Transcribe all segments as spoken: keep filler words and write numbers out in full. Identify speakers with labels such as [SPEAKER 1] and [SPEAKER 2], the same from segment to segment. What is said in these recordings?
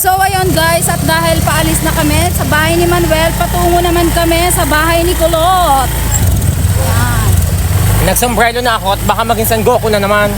[SPEAKER 1] So ayun guys, at dahil paalis na kami sa bahay ni Manuel, patungo naman kami sa bahay ni Kulot. Yan.
[SPEAKER 2] Nagsombrero na ako at baka maging San Goku na naman.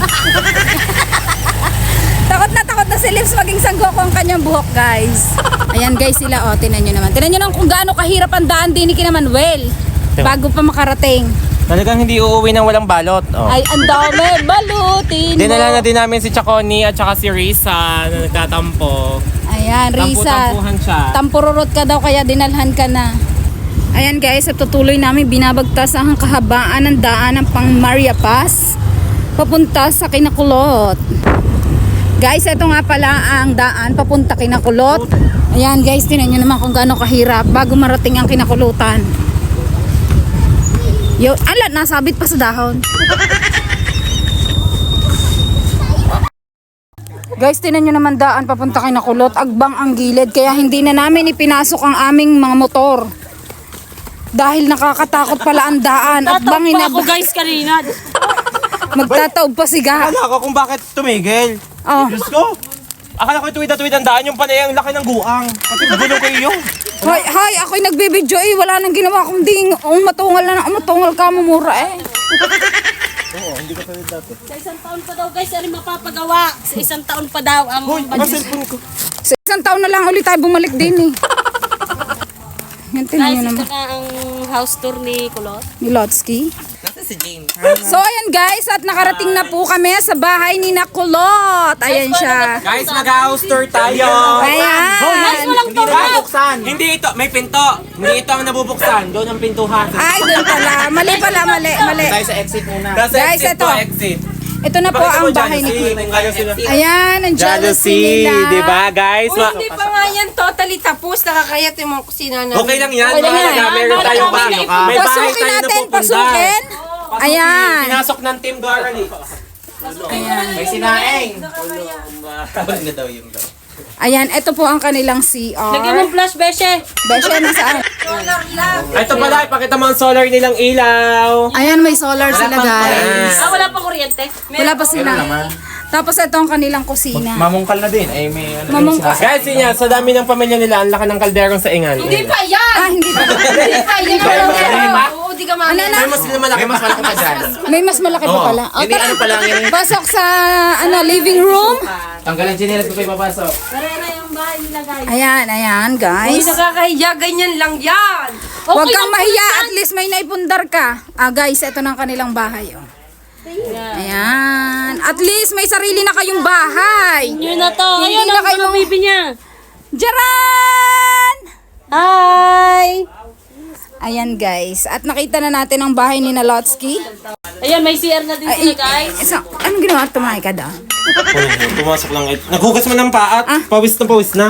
[SPEAKER 1] Takot na takot na si Lips maging San Goku ang kanyang buhok guys. Ayan guys sila, oh, tinan nyo naman. Tinan nyo naman kung gaano kahirap ang daan din ni kina Manuel bago pa makarating.
[SPEAKER 2] Talagang hindi uuwi ng walang balot. Oh.
[SPEAKER 1] Ay, ang dami, balutin mo.
[SPEAKER 2] Dinala na din namin si Chaconi at saka si Risa na nagtatampo.
[SPEAKER 1] Ayan, Risa.
[SPEAKER 2] Tampu-tampuhan siya.
[SPEAKER 1] Tampururot ka daw kaya dinalhan ka na. Ayan guys, at tutuloy namin binabagtas ang kahabaan ng daan ng pang Maria Paz papunta sa Kinakulot. Guys, ito nga pala ang daan papunta Kinakulot. Ayan guys, tinan nyo naman kung gaano kahirap bago marating ang Kinakulutan. Yo, ala, nasabit pa sa dahon. Guys, tinan nyo naman daan papunta Kinakulot. Agbang ang gilid kaya hindi na namin ipinasok ang aming mga motor. Dahil nakakatakot pala ang daan. Agbangin na
[SPEAKER 3] ako guys kanina.
[SPEAKER 1] Magtataob pa siga.
[SPEAKER 2] Akala ko kung bakit tumigil.
[SPEAKER 1] Oh.
[SPEAKER 2] Diyos ko. Akala ko tuwid-tuwid ang daan yung panay ang laki ng guang. Pati gulong ko iyo.
[SPEAKER 1] Hoy, hoy, ako'y nagbibidyo eh. Wala nang ginawa kundi umatungal na umatungal ka mumura eh.
[SPEAKER 2] Oo, hindi ka pwede dati.
[SPEAKER 3] Sa isang taon pa daw guys, ano mapapagawa? Sa isang taon pa daw ang
[SPEAKER 2] Hoy,
[SPEAKER 3] budget.
[SPEAKER 2] cellphone ko.
[SPEAKER 1] Sa isang taon na lang ulit tayo bumalik din eh. Yan, tinan
[SPEAKER 3] Guys,
[SPEAKER 1] nyo
[SPEAKER 3] ito
[SPEAKER 1] naman.
[SPEAKER 3] na ang house tour ni Kulot.
[SPEAKER 1] Ni Lotsky.
[SPEAKER 2] Nasa si James.
[SPEAKER 1] So ayan guys, at nakarating na po kami sa bahay ni Nakulot. Ayan siya.
[SPEAKER 2] Guys, mag-house tour tayo.
[SPEAKER 1] Ayan.
[SPEAKER 3] Guys, walang
[SPEAKER 2] Hindi
[SPEAKER 3] tour.
[SPEAKER 2] nabubuksan. Hindi ito, may pinto. Hindi ito ang nabubuksan. Doon ang pintuhan.
[SPEAKER 1] Ay, doon pala. Mali pala, mali, mali.
[SPEAKER 2] Tayo sa exit muna. Nasa
[SPEAKER 1] Guys,
[SPEAKER 2] exit
[SPEAKER 1] ito.
[SPEAKER 2] to, exit.
[SPEAKER 1] Ito na po ang bahay ni Kulot. Ayan, ang jealousy nila.
[SPEAKER 2] di ba guys? Ma-
[SPEAKER 4] Hindi pa nga yan totally tapos. Nakakayat yung mga kusina na.
[SPEAKER 2] okay lang yan.
[SPEAKER 1] Okay lang
[SPEAKER 2] Mahalaga,
[SPEAKER 1] yan.
[SPEAKER 2] meron tayong ba?
[SPEAKER 3] May-
[SPEAKER 2] May bahay
[SPEAKER 1] Pasukin
[SPEAKER 2] tayo na
[SPEAKER 1] natin,
[SPEAKER 2] pupunta.
[SPEAKER 1] pasukin. Ayan.
[SPEAKER 2] Pinasok ng Team Garani. May sinaing. Tawag na daw yung daw.
[SPEAKER 1] Ayan, ito po ang kanilang C
[SPEAKER 3] Lagyan
[SPEAKER 1] R.
[SPEAKER 3] mo flash, Beshe.
[SPEAKER 1] Beshe, nasaan?
[SPEAKER 2] Ito pala, ipakita mo ang solar nilang ilaw.
[SPEAKER 1] Ayan, may solar sila guys.
[SPEAKER 3] Ah, wala pa kuryente.
[SPEAKER 1] Wala pa sila. Tapos ito ang kanilang kusina.
[SPEAKER 5] Mamungkal na din. Ay, may ano
[SPEAKER 1] Mamung-
[SPEAKER 5] din sila.
[SPEAKER 2] Guys, yun yan, sa dami ng pamilya nila, ang laki ng kalderong sa ingan.
[SPEAKER 4] Hindi pa yan!
[SPEAKER 1] Ah, hindi pa.
[SPEAKER 4] Hindi pa yan! Oo, di ka
[SPEAKER 1] Ano
[SPEAKER 4] mamaya.
[SPEAKER 1] na?
[SPEAKER 2] May mas malaki.
[SPEAKER 5] May mas malaki pa dyan.
[SPEAKER 1] May mas malaki pa pala. O,
[SPEAKER 5] Hindi,
[SPEAKER 1] tara.
[SPEAKER 5] ano pa lang yan.
[SPEAKER 1] Pasok sa ano living room.
[SPEAKER 5] Tanggalan chinelas ko kayo papasok.
[SPEAKER 3] Karera yung bahay nila guys.
[SPEAKER 1] Ayan, ayan
[SPEAKER 4] Hindi
[SPEAKER 1] guys.
[SPEAKER 4] nakakahiya. Ganyan lang yan.
[SPEAKER 1] Huwag kang mahiya, at least may naipundar ka. Ah guys, ito na ang kanilang bahay. Oh. Ayan. At least may sarili na kayong bahay.
[SPEAKER 3] Yun na to.
[SPEAKER 1] Hindi
[SPEAKER 3] Ayun
[SPEAKER 1] na
[SPEAKER 3] ang
[SPEAKER 1] kayo
[SPEAKER 3] mga
[SPEAKER 1] mga-
[SPEAKER 3] baby niya.
[SPEAKER 1] Jaran!
[SPEAKER 3] Hi!
[SPEAKER 1] Ayan guys. At nakita na natin ang bahay ni Nalotsky.
[SPEAKER 3] Ayan, may C R na din
[SPEAKER 1] Ay,
[SPEAKER 3] sila guys.
[SPEAKER 1] so, anong ginawa? Tumahay ka daw?
[SPEAKER 2] Pumasok lang. Naghugas mo ng paat. Pawis na pawis na.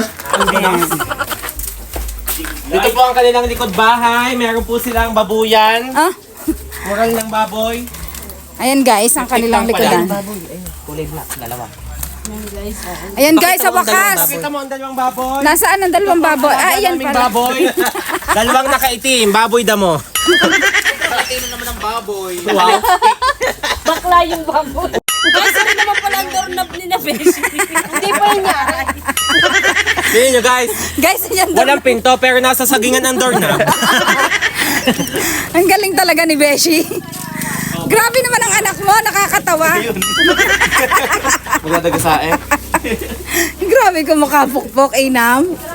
[SPEAKER 2] Dito po ang kanilang likod bahay. Meron po silang babuyan.
[SPEAKER 1] Ah?
[SPEAKER 2] Moral ng baboy.
[SPEAKER 1] Ayan guys, ang kanilang likodan.
[SPEAKER 5] Kulay black, dalawa.
[SPEAKER 1] Ayan guys, sa wakas.
[SPEAKER 2] Pakita mo ang dalawang baboy.
[SPEAKER 1] Nasaan ang dalawang baboy? Ah, ayan
[SPEAKER 2] Daming
[SPEAKER 1] pala.
[SPEAKER 2] baboy. Dalawang nakaitim. Baboy damo.
[SPEAKER 5] Nakatino naman ang baboy.
[SPEAKER 2] Wow.
[SPEAKER 3] Bakla yung baboy. Guys, ano naman pala ang doorknob ni na Beshe? Hindi pa yun niya.
[SPEAKER 2] Tingnan nyo guys.
[SPEAKER 1] Guys, ayan daw.
[SPEAKER 2] Walang pinto pero nasa sagingan ang door na.
[SPEAKER 1] Ang galing talaga ni Beshi. Grabe naman ang anak mo, nakakatawa.
[SPEAKER 5] Magdadaga sa eh.
[SPEAKER 1] Grabe kung makapukpok, Inam.